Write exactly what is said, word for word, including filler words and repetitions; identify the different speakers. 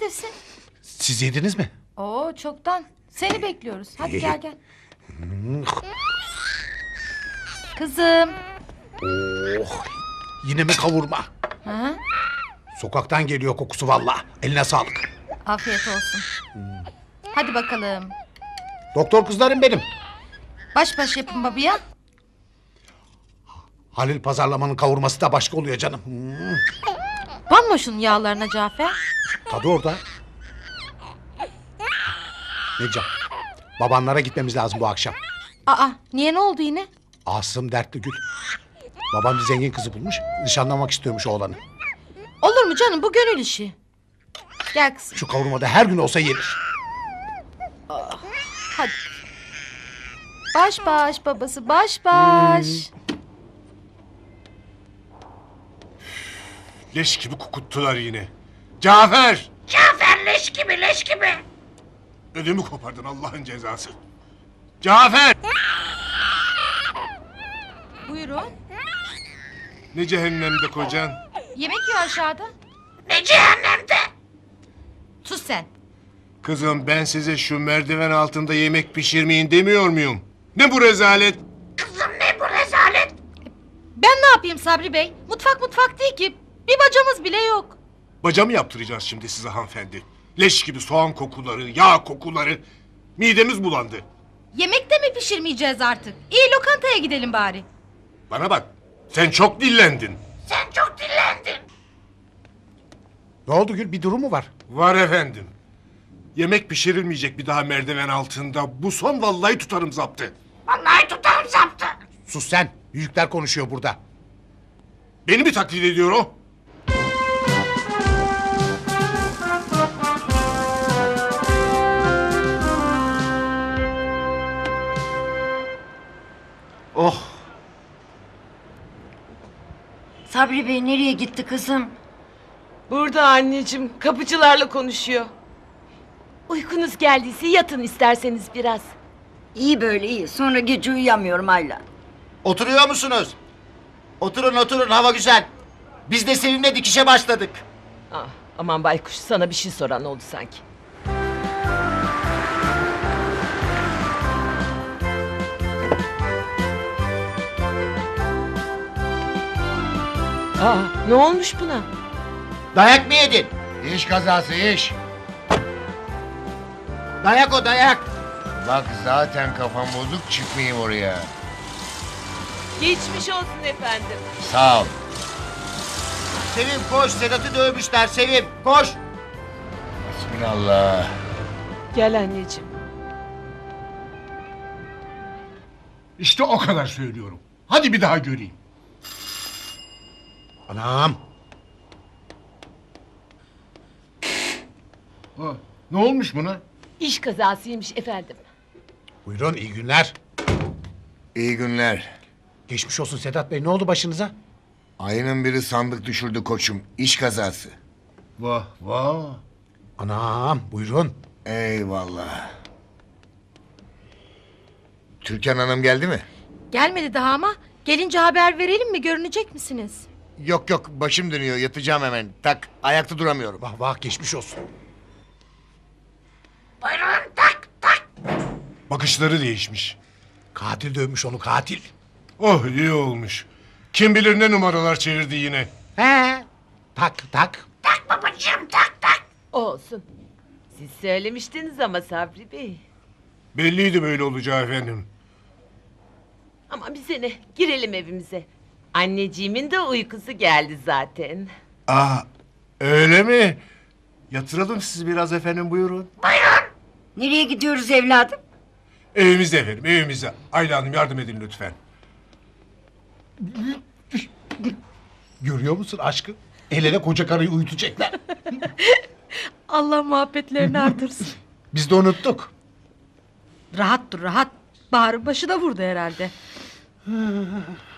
Speaker 1: neredesin?
Speaker 2: Siz yediniz mi?
Speaker 1: Oo çoktan. Seni bekliyoruz. Hadi gel gel. Kızım.
Speaker 2: Oh, yine mi kavurma?
Speaker 1: Ha?
Speaker 2: Sokaktan geliyor kokusu valla. Eline sağlık.
Speaker 1: Afiyet olsun. Hadi bakalım.
Speaker 2: Doktor kızlarım benim.
Speaker 1: Baş baş yapın babaya.
Speaker 2: Halil pazarlamanın kavurması da başka oluyor canım. Hmm,
Speaker 1: Banma şunun yağlarına Cafer.
Speaker 2: tadı orada. Necap, babanlara gitmemiz lazım bu akşam.
Speaker 1: Aa niye, ne oldu yine?
Speaker 2: Asım dertli Gül. Babam bir zengin kızı bulmuş. Nişanlamak istiyormuş oğlanı.
Speaker 1: Olur mu canım, bu gönül işi. Gel kızım.
Speaker 2: Şu kavurmada her gün olsa yenir.
Speaker 1: Hadi. Baş baş babası, baş baş.
Speaker 3: Leş gibi kokuttular yine. Cafer!
Speaker 4: Cafer leş gibi leş gibi.
Speaker 3: Ödümü kopardın Allah'ın cezası. Cafer!
Speaker 1: Buyurun.
Speaker 3: Ne cehennemde kocan?
Speaker 1: Yemek yiyor aşağıda.
Speaker 4: Ne cehennemde.
Speaker 1: Sus sen.
Speaker 3: Kızım ben size şu merdiven altında yemek pişirmeyin demiyor muyum? Ne bu rezalet?
Speaker 4: Kızım ne bu rezalet.
Speaker 1: Ben ne yapayım Sabri Bey? Mutfak mutfak değil ki. Bir bacamız bile yok.
Speaker 3: Baca mı yaptıracağız şimdi size hanımefendi? Leş gibi soğan kokuları, yağ kokuları. Midemiz bulandı.
Speaker 1: Yemek de mi pişirmeyeceğiz artık? İyi, lokantaya gidelim bari.
Speaker 3: Bana bak, sen çok dillendin.
Speaker 4: Sen çok dillendin.
Speaker 2: Ne oldu Gül, bir durum mu var?
Speaker 3: Var efendim. Yemek pişirilmeyecek bir daha merdiven altında. Bu son vallahi tutarım zaptı.
Speaker 4: Vallahi tutarım zaptı.
Speaker 2: Sus sen, büyükler konuşuyor burada.
Speaker 3: Beni mi taklit ediyor o?
Speaker 2: Oh,
Speaker 5: Sabri Bey nereye gitti kızım?
Speaker 6: Burada anneciğim, kapıcılarla konuşuyor. Uykunuz geldiyse yatın isterseniz biraz.
Speaker 5: İyi böyle iyi. Sonra gece uyuyamıyorum Ayla.
Speaker 7: Oturuyor musunuz? Oturun oturun, hava güzel. Biz de seninle dikişe başladık.
Speaker 6: Ah, aman baykuş, sana bir şey soran oldu sanki. Aa, ne olmuş buna?
Speaker 7: Dayak mı yedin?
Speaker 8: İş kazası iş.
Speaker 7: Dayak o dayak.
Speaker 8: Bak zaten kafam bozuk, çıkmayayım oraya.
Speaker 6: Geçmiş olsun efendim.
Speaker 8: Sağ ol.
Speaker 7: Sevim koş, Sedat'ı dövmüşler Sevim koş.
Speaker 8: Bismillah.
Speaker 6: Gel anneciğim.
Speaker 3: İşte o kadar söylüyorum. Hadi bir daha göreyim.
Speaker 2: anam.
Speaker 3: Ha, ne olmuş buna?
Speaker 6: İş kazasıymış efendim.
Speaker 2: Buyurun, iyi günler.
Speaker 8: İyi günler.
Speaker 2: Geçmiş olsun Sedat Bey, ne oldu başınıza?
Speaker 8: Ayının biri sandık düşürdü koçum. İş kazası.
Speaker 3: Vah vah.
Speaker 2: Anam, buyurun.
Speaker 8: Eyvallah. Türkan Hanım geldi mi?
Speaker 1: Gelmedi daha ama gelince haber verelim mi, görünecek misiniz?
Speaker 8: Yok yok, başım dönüyor, yatacağım hemen. Tak, ayakta duramıyorum.
Speaker 2: Vah vah, geçmiş olsun.
Speaker 4: Buyurun tak tak.
Speaker 3: Bakışları değişmiş.
Speaker 2: Katil dövmüş onu, katil.
Speaker 3: Oh iyi olmuş. Kim bilir ne numaralar çevirdi yine.
Speaker 2: He. Tak tak.
Speaker 4: Tak babacığım tak tak.
Speaker 6: Olsun. Siz söylemiştiniz ama Sabri Bey.
Speaker 3: Belliydi böyle olacağı efendim.
Speaker 6: Ama bize ne? Girelim evimize. Anneciğimin de uykusu geldi zaten.
Speaker 3: Aa öyle mi? Yatıralım sizi biraz efendim buyurun.
Speaker 5: Nereye gidiyoruz evladım?
Speaker 3: Evimizde efendim evimizde. Ayla Hanım yardım edin lütfen.
Speaker 2: Görüyor musun aşkı? El ele koca karıyı uyutacaklar.
Speaker 1: Allah muhabbetlerini artırsın.
Speaker 2: Biz de unuttuk.
Speaker 1: Rahat dur rahat. Bahar'ın başı da vurdu herhalde.